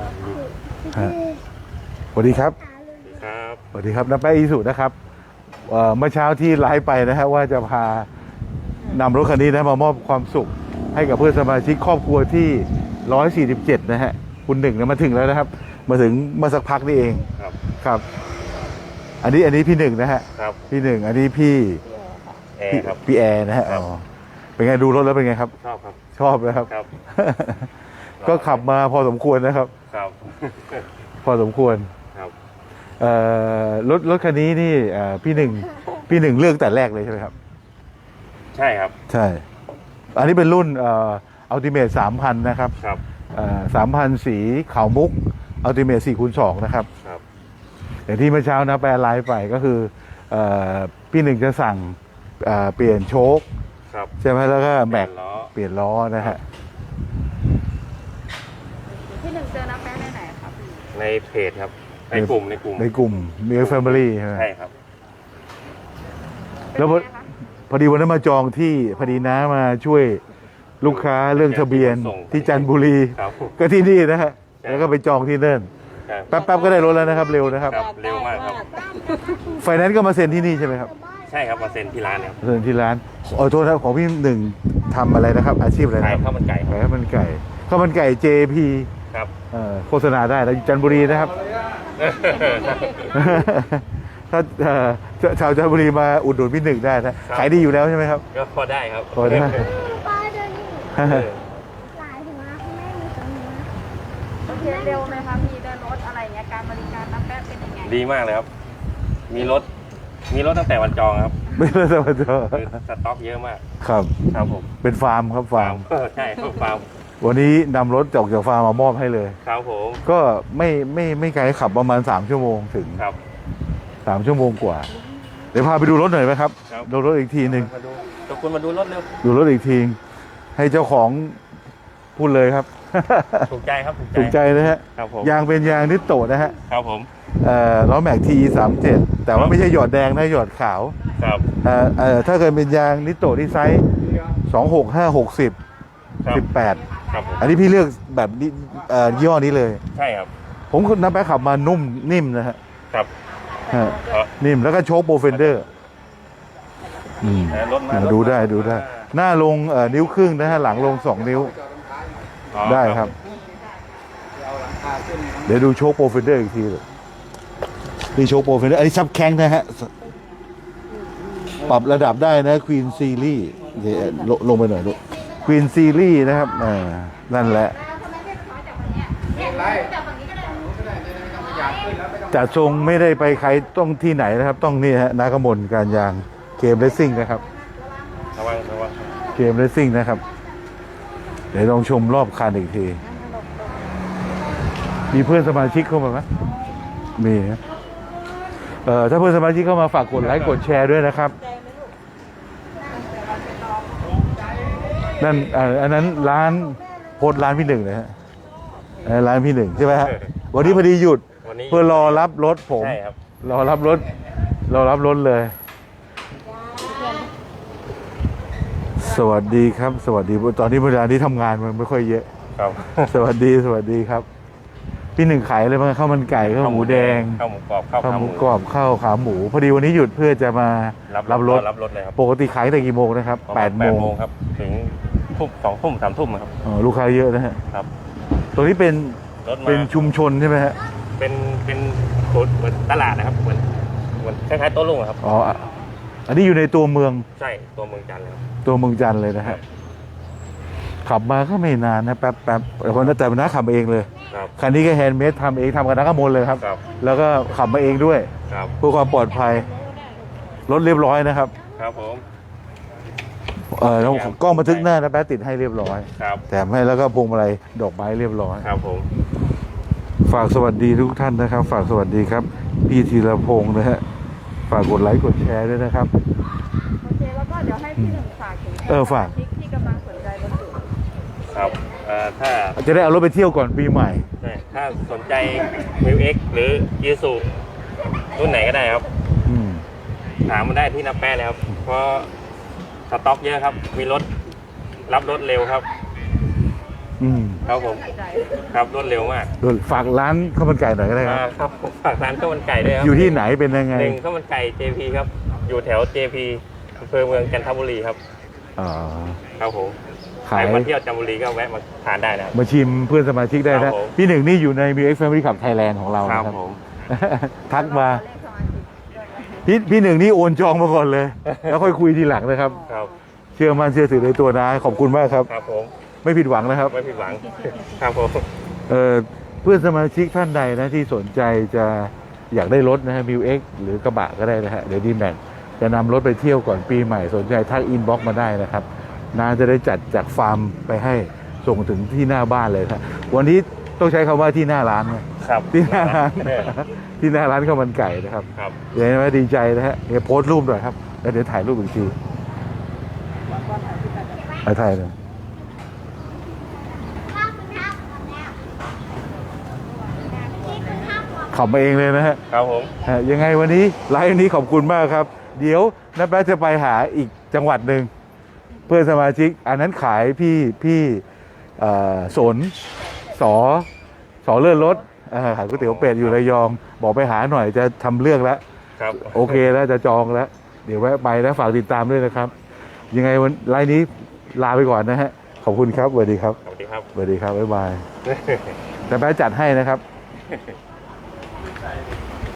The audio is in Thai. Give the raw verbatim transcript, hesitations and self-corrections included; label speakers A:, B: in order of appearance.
A: สวัสดีครับ
B: ครับ
A: สวัสดีครับน้าแป๊ะอีสุนะครับเอ่อเมื่อเช้าที่ไลฟ์ไปนะฮะว่าจะพานำรถคันนี้นะมามอบความสุขให้กับเพื่อนสมาชิกครอบครัวที่หนึ่งร้อยสี่สิบเจ็ดนะฮะคุณหนึ่งนะมาถึงแล้วนะครับ มาถึงเมื่อสักพักนี่เอง
B: ครับ
A: ครับ อันนี้อันนี้พี่หนึ่งนะฮะ
B: ครับ
A: พี่หนึ่งอันนี้พี่
B: แอ
A: พี่
B: ร์ครับ
A: พี่แอร์นะฮะ
B: ครับ
A: อ๋อเป็นไงดูรถแล้วเป็นไงครับ
B: ชอบครับ
A: ชอบนะครับ
B: ครับ
A: ก็ขับมาพอสมควรนะครับ
B: ครับ
A: พอสมควร
B: ครับ
A: เอ่อรถรถคันนี้นี่เอ่อพี่หนึ่งพี่หนึ่งเลือกแต่แรกเลยใช่ไหมครับ
B: ใช่ครับ
A: ใช่ อันนี้เป็นรุ่นเอ่ออัลติเมทสามพันนะครับ
B: ครับ
A: สามพันสีขาวมุกอัลติเมทสี่คูณสองนะครับ
B: ครับ
A: อย่างที่เมื่อเช้านะแปลไลฟ์ไปก็คือเอ่อพี่หนึ่งจะสั่งเอ่อเปลี่ยนโชค
B: ครับ
A: ใช่ไหมแล้วก็แม็ก
B: ล้อ
A: เปลี่ยนล้อนะฮะ
C: พี่หนึ่งเจอน้าแป๊ะในไหนครับพี่
B: ในเพจครับ ในกลุ่ม ในกลุ่ม
A: ในกลุ่มมีแฟมิลี่ใช่ไหม
B: ใช่ครับ
A: แล้วพอ
C: เป็นไงคะ
A: พอดีวันนั้นมาจองที่พอดีน้ามาช่วยลูกค้าเรื่องทะเบียน
B: ส่ง
A: ที่จันทบุรี
B: ครับ
A: ก็ที่นี่นะฮะ
B: ใช่
A: แล้วก็ไปจองที่นั่น
B: ครับ
A: แป๊บๆก็ได้รถแล้วนะครับ เร็วนะครับ
B: ครับ เร็วมากครับ
A: ไฟแนนซ์ก็มาเซ็นที่นี่ใช่ไหมครับ
B: ใช่ครับ มาเซ็นที่ร้านครับ
A: เซ็นที่ร้านขอโทษนะของพี่หนึ่งทำอะไรนะครับ อาชีพอะไรนะ
B: ขาย
A: ครับ
B: ข้าวมันไก่ค
A: ขา
B: รับ
A: ยข้าวมันไก่ข้าวมันไก่ เจ พี
B: ครับ
A: เอ่อโฆษณาได้แล้วอยู่จันทบุรีนะครับ ถ้าเอ่อชาวจันทบุรีมาอุดหนุนพี่หนึ่งได้นะขายดีอยู่แล้วใช่ไหมครับ
B: ก็พอได้ครับ
A: พอได้
D: ป้าเดินนี่
B: เออ
D: หลายถึงนะคุณแม่มีตรงนี้นะ
C: โอเคเร็วไหมคะพี่เดินรถอะไรเงี้ยการบริการน้าแป๊ะเป็นยังไง
B: ดีมากเลยครับ มีรถ มีรถตั้งแต่วันจองครับ
A: ไม่เลยสวัสดี
B: คือสต็อกเยอะมาก
A: ครับ
B: ครับผม
A: เป็นฟาร์มครับฟาร์ม
B: เออใช่ครับฟาร์ม
A: วันนี้นำรถจากจากฟาร์มมามอบให้เลย
B: ครับผม
A: ก็ไม่ไม่ไม่ไกลขับประมาณสามชั่วโมงถึง
B: ครับ
A: สามชั่วโมงกว่า เดี๋ยวพาไปดูรถหน่อยไหมครับ
B: ครับ
A: ดูรถอีกทีหนึ่ง
B: มาดูตะคุณมาดูรถเร็ว
A: ดูรถอีกที ให้เจ้าของพูดเลยครับ
B: ถูกใจครับ
A: ถูกใจนะฮะ
B: ครับผม
A: ยางเป็นยางนิตโตะนะฮะ
B: ครับผม
A: เอ่อล้อแม็กทีสามเจ็ดแต่ว่าไม่ใช่หยอดแดงนะหยอดขาว
B: ครับ
A: เอ่อเอ่อถ้าเกิดเป็นยางนิตโตะที่ไซส์สองหกห้าหกสิบ
B: ครับ
A: สิบแปด
B: ครับผม
A: อันนี้พี่เลือกแบบนี้เอ่อย่ห้อนี้เลย
B: ใช่ครับ
A: ผมนับไปขับมานุ่มนิ่มนะฮะ
B: ครับ
A: ฮะ
B: เออ
A: นิ่มแล้วก็โชคโปรเฟนเดอร์อืม
B: รถมารถมา
A: ดูได้ดูได้ หน้าลงเอ่อนิ้วครึ่งนะฮะหลังลงสองนิ้ว
B: อ๋อ
A: ได้ครับ เดี๋ยวดูโชคโปรเฟนเดอร์อีกทีเลยนี่โชคโปรเฟนเดอร์อันนี้ซับแข้งนะฮะ ปรับระดับได้นะควีนซีรีส์เดี๋ยวลงลงไปหน่อยลูกควีนซีรีส์นะครับอ่านั่นแหละจัดทรงไม่ได้ไปใครต้องที่ไหนนะครับ ต้องนี่ฮะนากมลการยางเกมเรซซิ่งนะครับ
B: ระวังระวัง
A: เกมเรซซิ่งนะครับ เดี๋ยวลองชมรอบคันอีกที มีเพื่อนสมาชิกเข้ามาไหมมีนะเอ่อถ้าเพื่อนสมาชิกเข้ามาฝากกดไลค์กดแชร์ด้วยนะครับ นั่นอ่าอันนั้นร้านโพสต์ร้านพี่หนึ่งนะฮะอันนั้นร้านพี่หนึ่งใช่ไหมฮะวันนี้พอดีหยุด
B: วันนี้
A: เพื่อรอรับรถผม
B: ใช่ครับ
A: รอรับรถรอรับรถเลย สวัสดีครับ สวัสดีตอนนี้เวลาที่ทำงานมันไม่ค่อยเยอะ
B: ครับ
A: สวัสดีสวัสดีครับ พี่หนึ่งขายอะไรบ้างข้าวมันไก่ข้าวหมูแดง
B: ข้าวหมูกรอบข้าว
A: ข้าว
B: ขา
A: ห
B: ห
A: มู
B: มู
A: กรอบข้าวขาหมู พอดีวันนี้หยุดเพื่อจะมา
B: รับ
A: รับรถ
B: รับรถเลยครับ
A: ปกติขายแต่กี่โมงนะครับ
B: ประ
A: แป
B: มาณ
A: ดโมง
B: ครับ ถึงทุ่มสองทุ่มสามทุ่มครับ
A: อ๋อลูกค้าเยอะนะฮะ
B: ครับ
A: ตัวนี้เป็น
B: รถมา
A: เป็นชุมชนใช่ไหมฮะ
B: เป็นเป็นเหมือนตลาดนะครับเหมือนเหมือนคล้ายๆโต๊ะลุงอะครับ
A: อ๋ออ่ะอันนี้อยู่ในตัวเมือง
B: ใช่ตัวเมืองจันทร์เลยครับ
A: ตัวเมืองจันทร์เลยนะฮะขับมาก็ไม่นานนะแป๊บแป๊บแต่คนนั้นแต่น้าขับมาเองเลย
B: ครับ
A: คันนี้ก็แฮนด์เมดทำเองทำกับนักขโมยเลยครับ
B: ครับ
A: แล้วก็ขับมาเองด้วย
B: ครับ
A: เพื่อความปลอดภัยรถเรียบร้อยนะครับ
B: ครับผม
A: เออแล้วกล้องบันทึกหน้านะแป๊บติดให้เรียบร้อย
B: ครับ
A: แถมให้แล้วก็พวงมาลัยดอกไม้เรียบร้อย
B: ครับผม
A: ฝากสวัสดีทุกท่านนะครับ ฝากสวัสดีครับ พี่ธีรพงศ์นะฮะฝากกดไลค์กดแชร์ด้วยนะครับ
C: โอเคแล้วก็เดี๋ยวให้พี่หนึ่งฝากถึง
A: เออฝาก
C: สมชิที่กำลังสนใจบรรจุ
B: ครับเอ่อถ้า
A: จะได้เอารถไปเที่ยวก่อนปีใหม่
B: ใช่ถ้าสนใจ มิว เอ็กซ์ หรือยูซูรุ่นไหนก็ได้ครับ
A: อืม
B: ถามมาได้ที่นับแป้เลยครับ เพราะสต็อกเยอะครับ มีรถรับรถเร็วครับ
A: อืม
B: ถครับผม
C: ใจ
B: ครับรวดเร็วมาก
A: ฝากร้านข้าวมันไก่หน่อยก็ได้ค
B: อ่า
A: รับ
B: ครับผมฝากร้านข้าวมันไก่ด้วยครับ
A: อยู่ที่ไหนเป็นยังไง
B: หนึ่งข้าวมันไก่ เจ พี ครับ อยู่แถว เจ พี อำเภอเมืองจันทบุรีครับ
A: อ๋อ
B: ครับผม
A: ขาย
B: ใครมาเที่ยวจันทบุรีก็แวะมาทานได้นะครับ
A: มาชิมเพื่อนสมาชิกได้
B: ครั
A: นะ
B: บผม
A: พี่หนึ่งนี่อยู่ใน มิว เอ็กซ์ Family Club Thailand ของเรา
B: ครับ
A: นะครับ
B: ผม
A: ทักมา
C: เลขสมาชิกด้วยนะ
A: พี่พี่หนึ่งนี่โอนจองมาก่อนเลย แล้วค่อยคุยทีหลังนะครับ
B: ครับ
A: เชื่อมั่นเชื่อถือในตัวนะขอบคุณมากครับ
B: ครับผม
A: ไม่ผิดหวังนะครับ
B: ไม่ผิดหวัง ครับผม
A: เอ่อเพื่อนสมาชิกท่านใดนะที่สนใจจะอยากได้รถนะฮะมิวเอ็กหรือกระบะก็ได้นะฮะเดี๋ยวดีแม็กจะนำรถไปเที่ยวก่อนปีใหม่สนใจทักอินบ็อกมาได้นะครับนาจะได้จัดจากฟาร์มไปให้ส่งถึงที่หน้าบ้านเลยครับวันนี้ต้องใช้คำว่าที่หน้าร้านนะครับ ที่หน้าร้าน ที่หน้าร้านข้าวมันไก่นะครับ
B: ครับ
A: เดี๋ยวนะดีใจนะฮะเดี๋ยวโพสต์รูปหน่อยครับแล้วเดี๋ยวถ่ายรูปอีกทีเอาถ่ายเลย
D: ข้าวคุณข้าวหมดแล้วที่คุณข้าวหมด
A: ขับมาเองเลยนะฮะ
B: ครับผม
A: ฮะยังไงวันนี้ไลฟ์วันนี้ขอบคุณมากครับ เดี๋ยวน้าแป๊ะจะไปหาอีกจังหวัดหนึ่งเพื่อนสมาชิก อันนั้นขายพี่พี่เอ่อสนสอสอเลื่อนรถเอ่อขายก๋วยเตี๋ยวเป็ดอยู่ระยอง บอกไปหาหน่อยจะทำเรื่องแล้ว
B: ครับ
A: โอเคแล้วจะจองแล้ว เดี๋ยวแวะไปนะฝากติดตามด้วยนะครับ ยังไงวันไลฟ์นี้ลาไปก่อนนะฮะขอบคุณครับสวัสดีครับ
B: สวัสดีครับ
A: สวัสดีครับบ๊ายบายแต่แป๊ะจัดให้นะครับ